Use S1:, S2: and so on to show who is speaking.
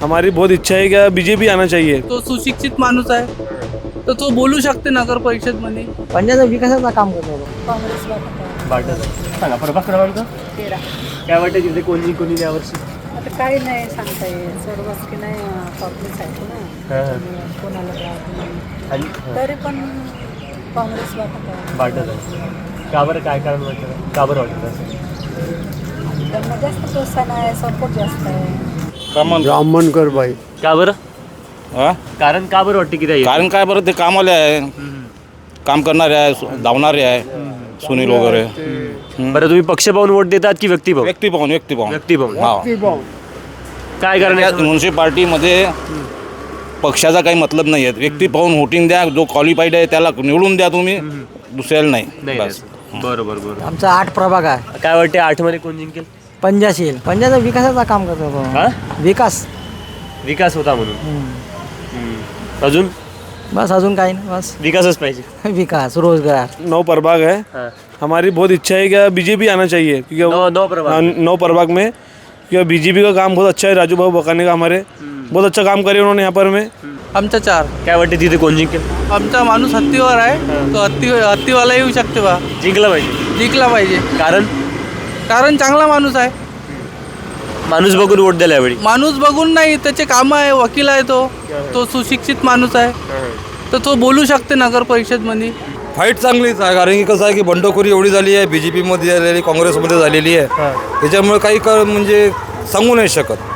S1: हमारी बहुत इच्छा है कि बीजेपी आना चाहिए।
S2: तो सुशिक्षित माणूस आहे तर तो बोलू शकते नगर परिषदमध्ये.
S3: पंजाबचा विकासाचा काम करतो.
S4: सांगा प्रभाग क्रमांक
S5: 13.
S4: काय वाटतं तिथे कोणी कोणी यावर्षी?
S5: आता काही नाही सांगता येत, सर्वच की नाही काँग्रेस आहे ना, कोणाला राहत नाही.
S4: आणि
S5: तरी पण काँग्रेस वाटत
S4: वाटत आहे का बरं? काय कारण वाटतं? का बरं वाटतं असं?
S5: त्यांना जास्त प्रोत्साहन आहे, सपोर्ट जास्त आहे.
S6: ब्राह्मणकर बाई.
S4: का बरं?
S7: हा?
S4: कारण का बरं वाटतं की ते
S7: कारण काय बरं, ते कामाले आहे, काम करणारे आहे, धावणारे आहे, सुनील वगैरे.
S4: बरं, तुम्ही पक्ष पाहून वोट देतात की व्यक्ती पाहून?
S7: व्यक्ती पाहून
S4: व्यक्ती पाहून.
S7: हा.
S4: काय कारण आहे?
S7: म्युन्सिपाल्टीमध्ये पक्षाचा काही मतलब नाही आहे. व्यक्ती पाहून वोटिंग द्या, जो क्वालिफाईड आहे त्याला निवडून द्या तुम्ही, दुसऱ्याला नाही. बस.
S4: बरोबर बरोबर.
S3: आमचा 8 प्रभाग आहे.
S4: काय वाटते 8 मध्ये कोण जिंकेल?
S3: पंजाशील. पंजाचा विकासाचा काम करतो.
S4: हा?
S3: विकास
S4: होता म्हणून. अजून
S3: बस, अजून काही नाही, बस
S4: विकासच पाहिजे.
S3: विकास, रोजगार.
S1: 9 प्रभाग है,
S4: हाँ।
S1: हमारी बहुत इच्छा है कि बीजेपी आना चाहिए क्योंकि
S4: नौ प्रभाग
S1: हाँ, 9 प्रभाग में क्योंकि बीजेपी का काम बहुत अच्छा है। राजू भाऊ बकाने का हमारे बहुत अच्छा काम करे उन्होंने यहाँ पर में।
S2: आमचा 4.
S4: काय वाटते तिथे कोण जिंकेल?
S2: आमचा माणूस हत्तीवर आहे, तो हत्तीवाला येऊ शकते बा,
S4: जिंकला पाहिजे.
S2: जिंकला पाहिजे. कारण चांगला माणूस आहे.
S4: माणूस बघून वोट द्यायला यावेळी.
S2: माणूस बघून नाही, त्याचे काम आहे, वकील आहे, तो सुशिक्षित माणूस आहे तर तो बोलू शकते नगर परिषदमध्ये.
S6: फाईट चांगलीच आहे, कारण की कसं आहे की बंडखोरी एवढी झाली आहे, बीजेपीमध्ये झालेली, काँग्रेसमध्ये झालेली आहे. त्याच्यामुळे काही म्हणजे सांगू नाही शकत.